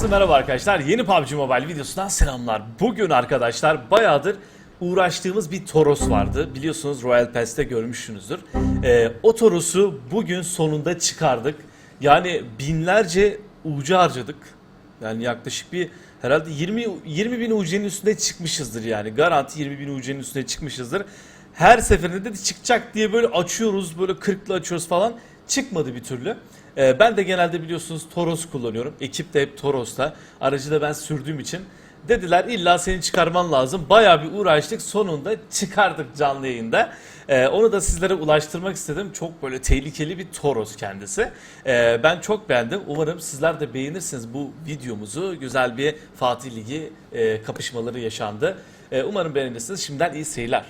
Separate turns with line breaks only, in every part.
Herkese merhaba arkadaşlar. Yeni PUBG Mobile videosundan selamlar. Bugün arkadaşlar bayağıdır uğraştığımız bir Toros vardı. Biliyorsunuz Royal Pass'te görmüşsünüzdür. O Toros'u bugün sonunda çıkardık. Yani binlerce UC harcadık. Yani yaklaşık bir herhalde 20 bin UC'nin üstünde çıkmışızdır yani. Garanti 20 bin UC'nin üstünde çıkmışızdır. Her seferinde de çıkacak diye böyle açıyoruz, böyle 40'lı açıyoruz falan. Çıkmadı bir türlü. Ben de genelde biliyorsunuz Toros kullanıyorum. Ekip de hep Toros'ta. Aracı da ben sürdüğüm için. Dediler illa seni çıkarman lazım. Bayağı bir uğraştık. Sonunda çıkardık canlı yayında. Onu da sizlere ulaştırmak istedim. Çok böyle tehlikeli bir Toros kendisi. Ben çok beğendim. Umarım sizler de beğenirsiniz bu videomuzu. Güzel bir Fatih Ligi kapışmaları yaşandı. Umarım beğenirsiniz. Şimdiden iyi seyirler.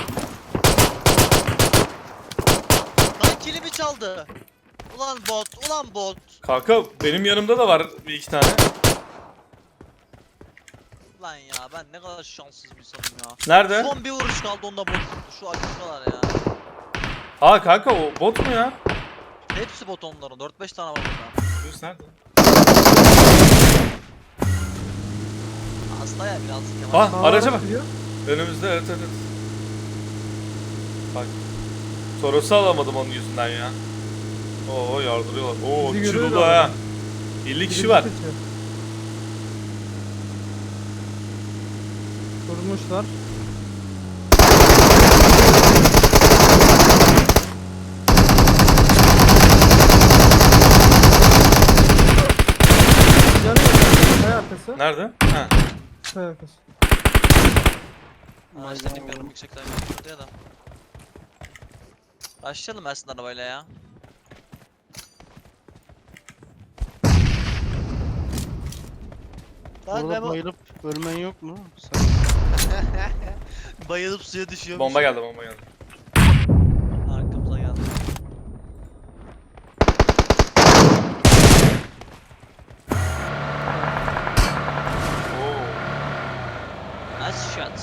Lan kilimi çaldı. Ulan bot, ulan bot.
Kanka benim yanımda da var bir iki tane.
Lan ya ben ne kadar şanssız bir insanım ya.
Nerede?
Son bir vuruş kaldı onda bot. Şu açıklar ya.
Aa kanka o bot mu ya?
Hepsi bot onların. 4-5 tane var burada.
Dur nerede?
Hasta ya biraz Kemal.
Ah araca bak. Önümüzde evet. Bak. Toros'u alamadım onun yüzünden ya. Oo yardırıyorlar. Oo
Bizi
kişi
görüyor
dolu
adam.
ha. 50 kişi var.
Durmuşlar. Canı yok. Kaya arkası.
Nerede? Ha.
Kaya arkası.
Araçta dinmiyorum yüksekten yüksekten ya da. Başlayalım Ersin arabayla ya. Lan
Orada
Memo
bayılıp ölmen yok mu? Sen...
bayılıp suya düşüyor.
Bomba geldi bomba geldi.
Arkamıza geldi.
Oo.
Nice shot.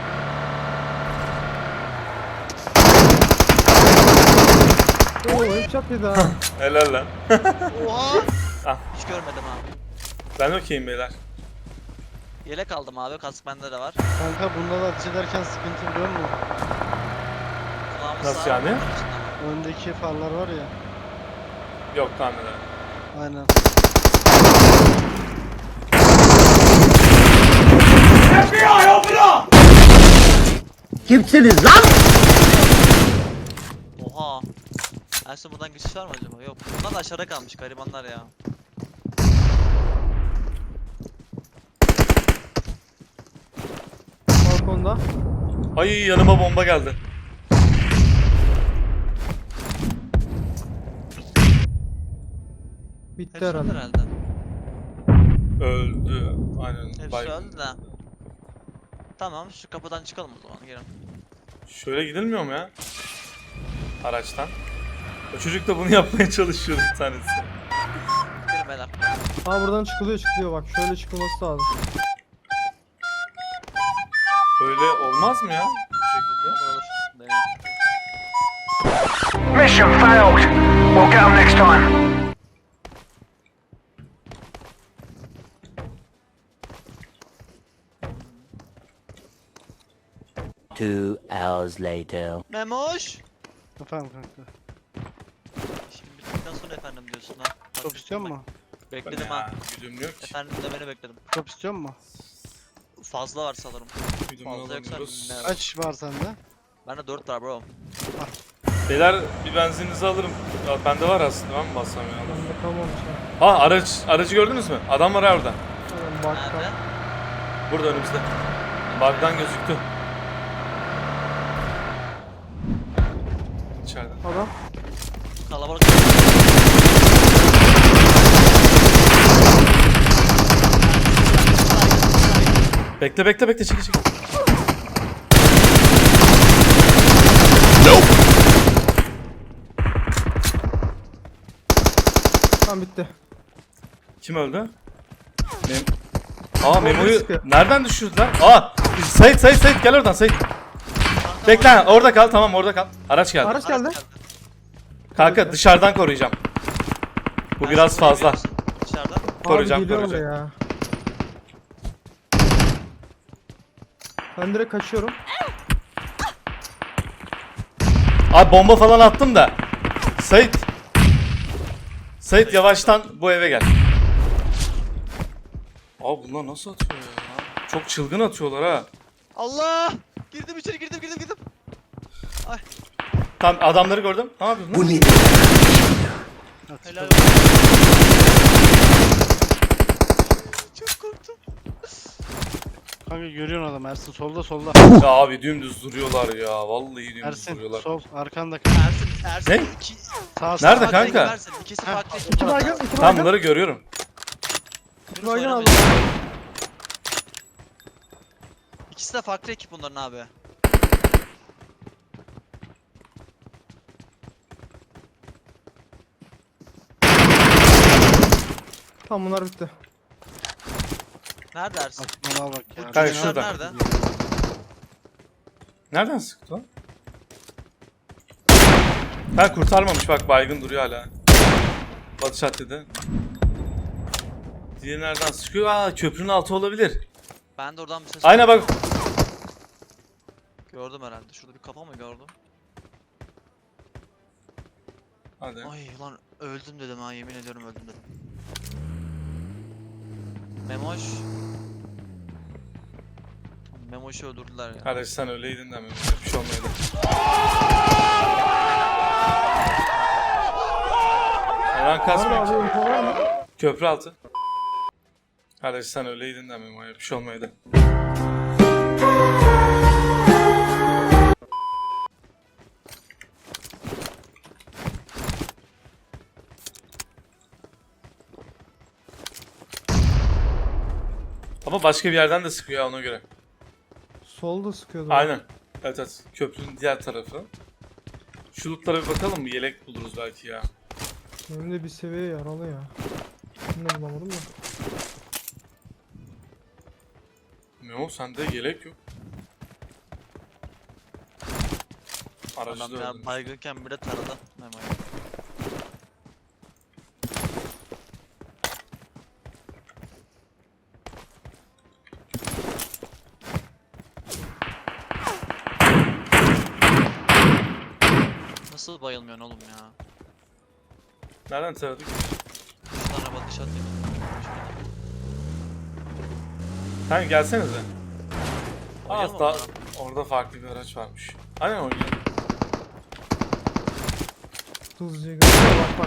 Oo headshot bir daha.
Helal lan.
Oha!
Ah.
Hiç görmedim abi.
Ben okeyim beyler.
Yelek aldım abi, kask bende de var.
Kanka bunda da ateş ederken sıkıntı biliyor musun?
Kulağımız
Nasıl
sağ,
yani?
kulağımız içinde var.
Öndeki farlar var ya.
Yok tahmin ederim.
Aynen.
Kimsiniz lan?
Oha. Ersin buradan geçiş var mı acaba? Yok. Bunlar da aşağıda kalmış garibanlar ya.
Balkonda.
Ay yanıma bomba geldi.
Bitti
Hepsi öldü
herhalde.
herhalde.
Öldü. Aynen.
Hepsi
baygın.
öldü de. Tamam, şu kapıdan çıkalım o zaman, gelin.
Şöyle gidilmiyor mu ya? Araçtan. O çocuk da bunu yapmaya çalışıyor bir tanesi.
Gelin beyler.
Aa buradan çıkılıyor bak. Şöyle çıkılması lazım.
Öyle olmaz mı ya? Bu şekilde.
Olur olur. Deneyelim.
Mission failed. We'll get 'em next time.
Two hours later.
Memoş!
Efendim kanka.
Şimdi bittikten sonra efendim diyorsun ha. Bak,
Top istiyor
bak,
mu?
Bekledim
Ya,
ha.
güdüm yok ki.
Efendim demeni bekledim.
Top istiyor mu?
Fazla var sanırım.
Güdümü
Fazla yoksa
alamıyoruz.
ne var?
Kaç var sende?
Bende 4 var bro.
Beyler bir benzininizi alırım. Ya, bende var aslında ben mi bassam ya?
Ben bakalım ya.
Ha aracı gördünüz mü? Adam var ha orada.
Hemen baktım.
Nerede?
Burada önümüzde. Bug'dan gözüktü. İçeride.
Adam.
Kalabalık.
Bekle çekil.
Tamam bitti.
Kim öldü? Aa Memo'yu
sıkıyor.
nereden düşürdüler? Aa Sait gel oradan Sait. Bekle orada kal tamam orada kal. Araç geldi.
Araç geldi.
Kanka dışarıdan koruyacağım. Bu biraz fazla.
Dışarıdan.
Abi
Koruyacağım,
geliyor
koruyacağım.
ya. Ben direkt kaçıyorum.
Abi bomba falan attım da. Sait. Sait yavaştan bu eve gel. Abi bunlar nasıl atıyor ya? Çok çılgın atıyorlar ha.
Allah! Girdim içeri girdim. Ay
Tam adamları gördüm. Ne yapıyorsun? Bu ne?
helal olsun. Çok korktum.
Kanka görüyorsun adam Ersin solda.
Ya abi dümdüz duruyorlar ya. Vallahi dümdüz
Ersin
duruyorlar.
sol arkanda.
Ersin
Ne?
iki
Sağ
Nerede
farklı
kanka?
ekip Ersin. İkisi
Heh.
farklı.
İki baygın, iki
Tam
baygın.
bunları görüyorum.
İki baygın aldım.
İkisi de farklı ekip bunların abi.
Tamam bunlar bitti.
Nerede Ersin?
Aklına bak ya.
Kanka
Çocuklar
şurada.
nerede?
Nereden sıktı o? Ha kurtarmamış bak baygın duruyor hala. Batı şaddede. Diğeri nereden sıkıyor? Aa köprünün altı olabilir.
Ben de oradan bir ses
Aynen bak.
gördüm herhalde. Şurada bir kafa mı gördüm?
Hadi.
Ay ulan öldüm dedim ha, yemin ediyorum öldüm dedim. Memoş. Memoş'u öldürdüler ya.
Kardeş sen öyleydin de mi? Bir şey olmaydı. Hemen
Nerede
kasmıyor
abi
ki.
info var mı?
Köprü altı. Kardeş sen öyleydin de mi? Bir şey olmaydı. Ama başka bir yerden de sıkıyor ya ona göre.
Solda sıkıyordu.
Aynen. Evet evet. Köprünün diğer tarafı. Şu lootlara bir bakalım mı? Yelek buluruz belki ya.
Benim de bir seviye yaralı ya. Bunu da bulamadım da.
Ne o? Sende yelek yok. Aracı
Adam
da
ya
öldü.
baygınken bile taradı Memo'yu. Nasıl bayılmıyorsun oğlum ya?
Nereden taradık?
Şuradan bakış atayım.
Kanka gelsenize.
Oynayalım
Az daha
mı?
orada farklı bir araç varmış. Aynen oynayalım.
Hızlıca gidiyor bak.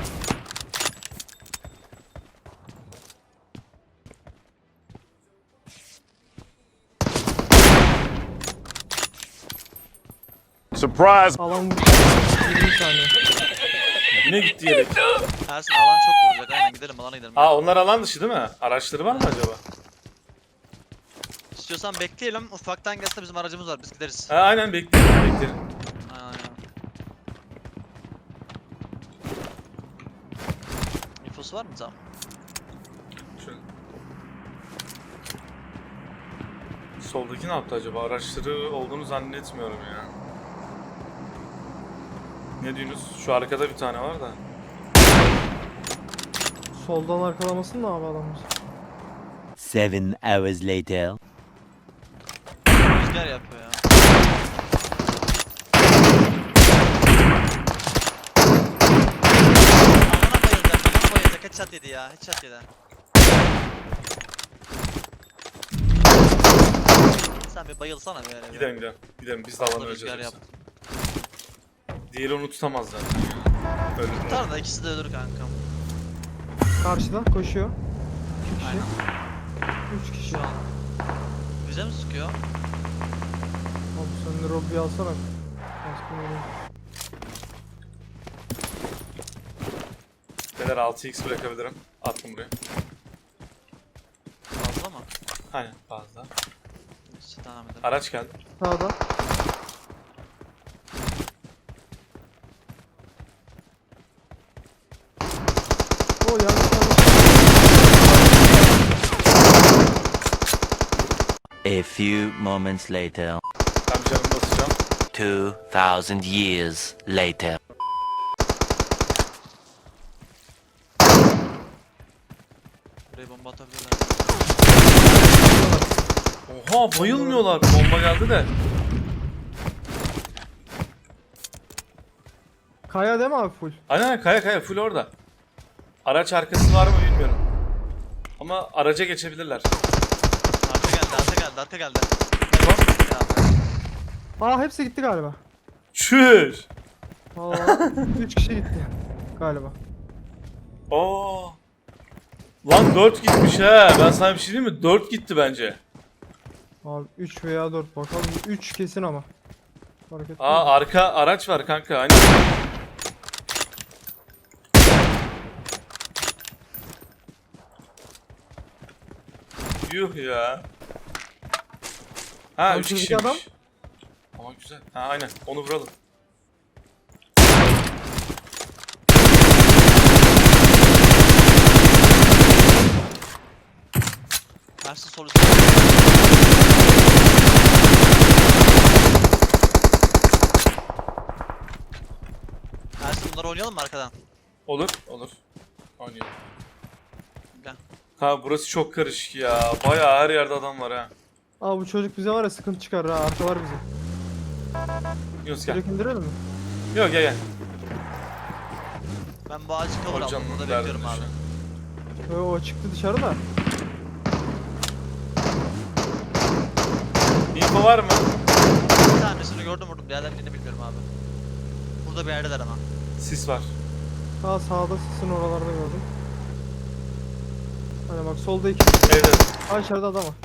Surprise!
Alan vurdu. 20 saniye.
Yine gitti yelek.
Ersin alan çok vuracak, aynen gidelim alana gidelim.
Aa onlar alan dışı değil mi? Araçları var mı acaba?
İstiyorsan bekleyelim, ufaktan gelse bizim aracımız var, biz gideriz.
Ha, aynen bekleyelim bekleyelim.
Aynen. İnfosu var mı tamam?
Şöyle. Soldaki ne yaptı acaba? Araçları olduğunu zannetmiyorum ya. Ne diyorsunuz? Şu arkada bir tane var da.
Soldan arkalamasın da abi adamımız.
7 hours later.
Rüzgar yapıyor ya. Alana bayılacak, headshot yedi ya, headshot yedi. Sen bir bayılsana bir yere.
Gidelim gidelim. Gidelim biz de alanı
Rüzgar
öleceğiz.
yap.
yoksa. Diğeri onu tutamaz zaten ya. Öldü.
Tutar da ikisi de ölür kankam.
Karşıda koşuyor. 2 kişi.
Aynen.
3 kişi.
Şu an. Bize mi sıkıyor?
Abi sen de Robby'yi alsana. Baskın vereyim.
Beyler 6x bırakabilirim. Attım buraya.
Fazla mı?
Aynen fazla.
Neyse devam edelim.
Araç geldi.
Sağda. O yanlış.
A few moments later.
Ben bir canımı basacağım.
2000 years later.
Buraya bomba atabilirler.
Oha bayılmıyorlar. Bomba geldi de.
Kaya değil mi abi full?
Aynen kaya full orada. Araç arkası var mı bilmiyorum. Ama araca geçebilirler.
Arka geldi.
Aa hepsi gitti galiba.
Çüş.
Vallahi 3 kişi gitti galiba.
Aa. Lan 4 gitmiş he. Ben sana bir şey diyeyim mi? 4 gitti bence.
Abi 3 veya 4 bakalım. 3 kesin ama. Fark etmez.
Aa arka araç var kanka. Hani yuh ya. Ha
Lan
3
şuradaki
kişiymiş.
adam.
Ama güzel. Ha aynen onu vuralım.
Ersin sol Ersin bunları oynayalım mı arkadan?
Olur. Oynayalım.
Gel.
Ha burası çok karışık ya. Bayağı her yerde adam var ha.
Aa bu çocuk bize var ya sıkıntı çıkarır ha. Arka var bize.
Yunus gel.
Çocuk indirelim mi?
Yok gel.
Ben bu ağacı cover
Hocam
aldım. Burada
derdinde
bekliyorum
şu
abi.
an.
O çıktı dışarı da.
İnfo var mı?
Bir tanesini gördüm vurdum. Diğerlerini bilmiyorum abi. Burada bir yerdeler ama.
Sis var.
Aa sağda sisin oralarda gördüm. Hani bak solda 2.
Evde.
Aa içeride adam var.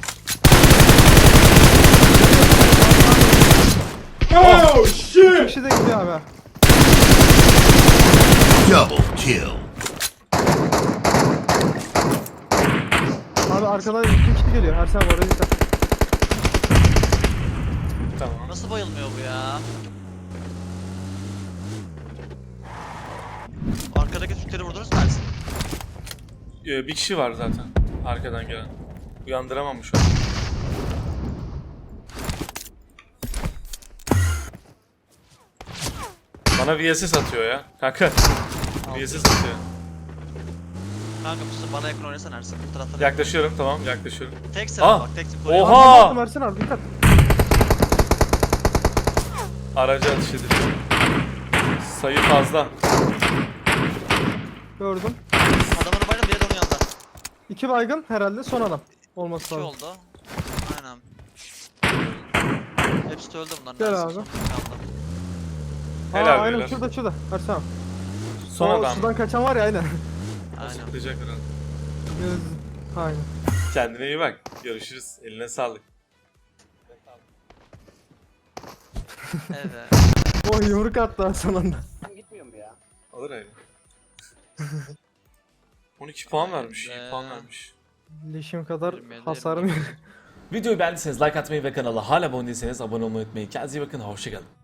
Oh
2 kişi de gidiyor abi. ha.
Double kill.
Abi arkadan 2 kişi geliyor. Ersen abi oraya dikkat.
Tamam.
Nasıl bayılmıyor bu ya? Arkadaki Türkleri vurdunuz mu Ersin?
Bir kişi var zaten. Arkadan gelen. Uyandıramam şu an. Bana VSS atıyor ya. Kanka. VSS atıyor.
Kanka bu bana yakın oynasan Ersin. Bu taraftan.
Yaklaşıyorum tamam yaklaşıyorum.
Tek sıra
Aa!
bak tek sıra koruyor.
Oha!
Aa, baktım Ersen abi dikkat.
Aracı atış ediliyor. Sayı fazla.
Gördüm.
Adamın bayram diye de onun yanında.
2 baygın herhalde son adam. Olması
İki
lazım.
oldu. Aynen. Hepsi de öldü bunların.
Gel
Ersin
abi.
son bir kaldı.
Helal
Aa, aynen
beyler.
şurada Ersen abi.
Son
O
adam.
sudan kaçan var ya aynen.
Aynen.
Zıplayacak herhalde.
Aynen.
Kendine iyi bak. Görüşürüz. Eline sağlık.
Evet.
O yumruk attı ha son anda.
Alır öyle. 12 puan vermiş.
Be.
2 puan vermiş.
Leşim kadar
Yirmi,
hasarım yok.
Videoyu beğendiyseniz like atmayı ve kanala hala abone değilseniz abone olmayı unutmayın. Kendinize iyi bakın. Hoşçakalın.